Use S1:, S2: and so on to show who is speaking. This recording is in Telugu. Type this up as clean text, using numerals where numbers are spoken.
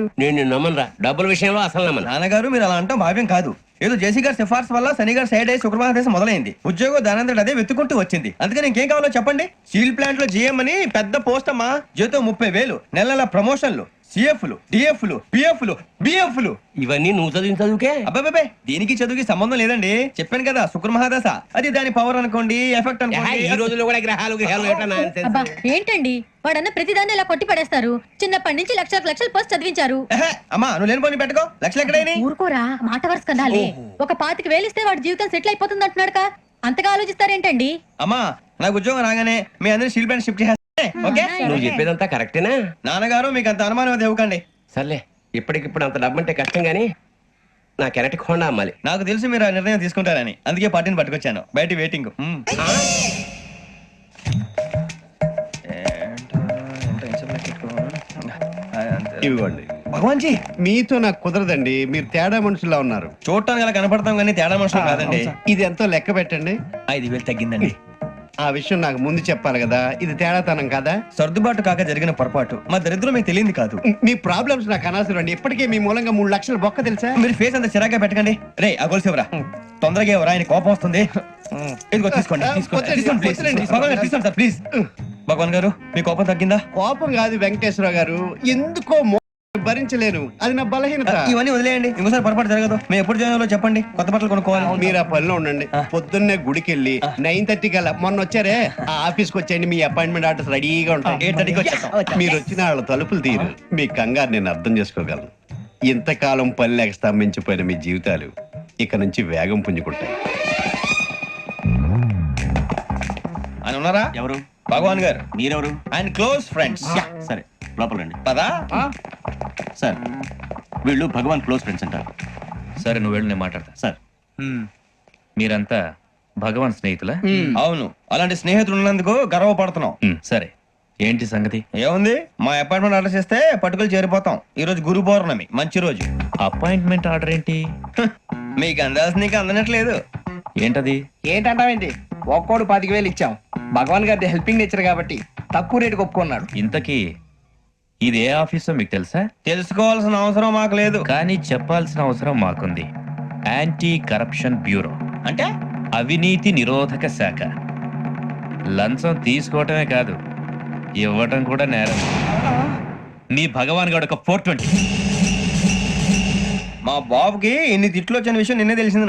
S1: నేను నమ్మనరా, డబ్బుల విషయంలో అసలు నమ్మను.
S2: నాన్నగారు మీరు అలా అంటాం భావ్యం కాదు. ఏదో జేసీ గారి సిఫార్సు వల్ల శని గారు సైడ్ అయ్యి శుక్రవారం దేశం మొదలైంది. ఉద్యోగం దానంతటి అదే వెతుకుంటూ వచ్చింది. అందుకని ఇంకేం కావాలో చెప్పండి. స్టీల్ ప్లాంట్ లో జీఎం అని పెద్ద పోస్ట్ అమ్మా. జీతం 30,000, నెల నెల ప్రమోషన్లు, సిఎఫ్లు, డిఎఫ్లు, పిఎఫ్లు, బిఎఫ్లు.
S1: ఇవన్నీ నువ్వు చదివిన చదువుకే.
S2: అబ్బాబే దీనికి చదువుకి సంబంధం లేదండి. చెప్పాను కదా శుక్ర మహాదశ. అది దాని పవర్ అనుకోండి, ఎఫెక్ట్ అనుకోండి.
S1: ఈ రోజుల్లో కూడా గ్రహాలు ఏటా nonsense.
S3: అబ్బా ఏంటండి వాడన్న ప్రతిదాన్ని ఇలా కొట్టి పడేస్తారు. చిన్నప్పటి నుంచి లక్షలకు లక్షలు పోస్ట్ చదివించారు.
S2: అమ్మా నువ్వు లేని పోనీ పెట్టుకో. లక్షలు ఎక్కడైనా
S3: ఊరుకోరా, మాట వరుస కదాలే. ఒక 25,000 ఇస్తే వాడి జీవితం సెటిల్ అయిపోతుంది అంటున్నాడుక. అంతగా ఆలోచిస్తారేంటండి?
S2: అమ్మా నాకు ఉద్యోగం రాగానే మీ అందరినీ స్టీల్ ప్లాంట్ షిఫ్ట్ చేస్తే ఓకే.
S1: నువ్వు చెప్పేదంతా కరెక్టేనా?
S2: నాన్నగారు మీకు అంత అనుమానం అది ఇవ్వకండి.
S1: సర్లే, ఇప్పటికిప్పుడు అంత డబ్బు అంటే కష్టం గానీ నా కెనటిక్ హోండా అమ్మాలి.
S2: నాకు తెలుసు మీరు ఆ నిర్ణయం తీసుకుంటారని, అందుకే పార్టీని పట్టుకొచ్చాను. బయట వెయిటింగ్.
S4: ఇవ్వండి.
S2: భగవాన్ జీ
S4: మీతో నాకు కుదరదండి, మీరు తేడా మనుషుల్లా ఉన్నారు.
S2: చూడటానికి అలా కనపడతాం కానీ తేడా మనుషులు కాదండి.
S4: ఇది ఎంతో లెక్క పెట్టండి.
S2: 5,000 తగ్గిందండి.
S4: ఆ విషయం నాకు ముందు చెప్పాలి కదా, ఇది తేడాతనం కదా.
S2: సర్దుబాటు కాక జరిగిన పొరపాటు. మా దరిద్రం మీకు తెలియదు కాదు.
S4: మీ ప్రాబ్లమ్స్ నాకు అనవసరం అండి. ఇప్పటికే మీ మూలంగా 3 లక్షల బొక్క తెలుసా.
S2: మీరు ఫేస్ అంత చిరాగ్గా పెట్టకండి. రే ఆ గొలుసు ఎవరా? తొందరగా ఎవరా? ఆయన కోపం వస్తుంది. ఇదిగో తీసుకోండి. తీసుకోండి సార్ ప్లీజ్. భగవాన్ గారు మీ కోపం తగ్గిందా?
S4: కోపం కాదు వెంకటేశ్వర గారు, ఎందుకో భరించలేను, అది నా బలహీనత.
S2: ఇవన్నీ వదిలేయండి, ఇంకోసారి పొరపాటు జరగదు. మేము ఎప్పుడు జాయిన్ అవ్వాలో చెప్పండి, కొత్త బట్టలు కొనుక్కోవాలి.
S4: మీరు ఆ పనిలో ఉండండి. పొద్దున్నే గుడికి వెళ్ళి 9:30 కల్లా, మొన్న వచ్చారే ఆ ఆఫీస్కి వచ్చేయండి. మీ అపాయింట్మెంట్ ఆర్డర్స్ రెడీగా ఉంటాయి.
S2: 8:30కి వచ్చేస్తాం.
S4: మీరు వచ్చిన వాళ్ళ తలుపులు తీరు. మీ కంగారు నేను అర్థం చేసుకోగలను. ఇంతకాలం పని లేక స్తంభించిపోయిన మీ జీవితాలు ఇక నుంచి వేగం పుంజుకుంటాయి.
S2: ఆయన ఉన్నారా?
S5: ఎవరు?
S2: భగవాన్ గారు.
S5: మీరెవరు?
S2: ఆయన క్లోజ్ ఫ్రెండ్స్.
S5: సరే లోపల రండి.
S2: పదా
S5: సార్ వీళ్ళు భగవాన్ క్లోజ్ ఫ్రెండ్స్ అంటారు.
S6: సరే నువ్వు వెళ్ళి నేను మాట్లాడతా.
S5: సార్
S6: మీరంతా భగవాన్ స్నేహితులా?
S2: అవును, అలాంటి స్నేహితులు ఉన్నందుకు గర్వపడుతున్నాం.
S6: సరే ఏంటి సంగతి?
S2: ఏముంది, మా అపాయింట్మెంట్ ఆర్డర్ చేస్తే పట్టుకులు చేరిపోతాం. ఈ రోజు గురు పౌర్ణమి, మంచి రోజు.
S6: అపాయింట్మెంట్ ఆర్డర్ ఏంటి?
S2: మీకు అందాల్సిన నీకు అందనట్లేదు.
S6: ఏంటది?
S7: ఏంటంటావేంటి? ఒక్కోడు 25,000 ఇచ్చాం. భగవాన్ గారి హెల్పింగ్ నేచర్ కాబట్టి తక్కువ రేటుకి ఒప్పుకున్నాడు.
S6: ఇంతకీ ఇది ఏ ఆఫీసో మీకు తెలుసా?
S2: తెలుసుకోవాల్సిన అవసరం మాకు లేదు,
S6: కానీ చెప్పాల్సిన అవసరం మాకుంది. యాంటీ కరప్షన్ బ్యూరో
S2: అంటే
S6: అవినీతి నిరోధక శాఖ. లంచం తీసుకోవటమే కాదు, ఇవ్వటం కూడా నేరం. మీ భగవాన్ గారు ఒక 420.
S2: మా బాబుకి ఇన్ని తిట్లు వచ్చిన విషయం నిన్నే తెలిసింది.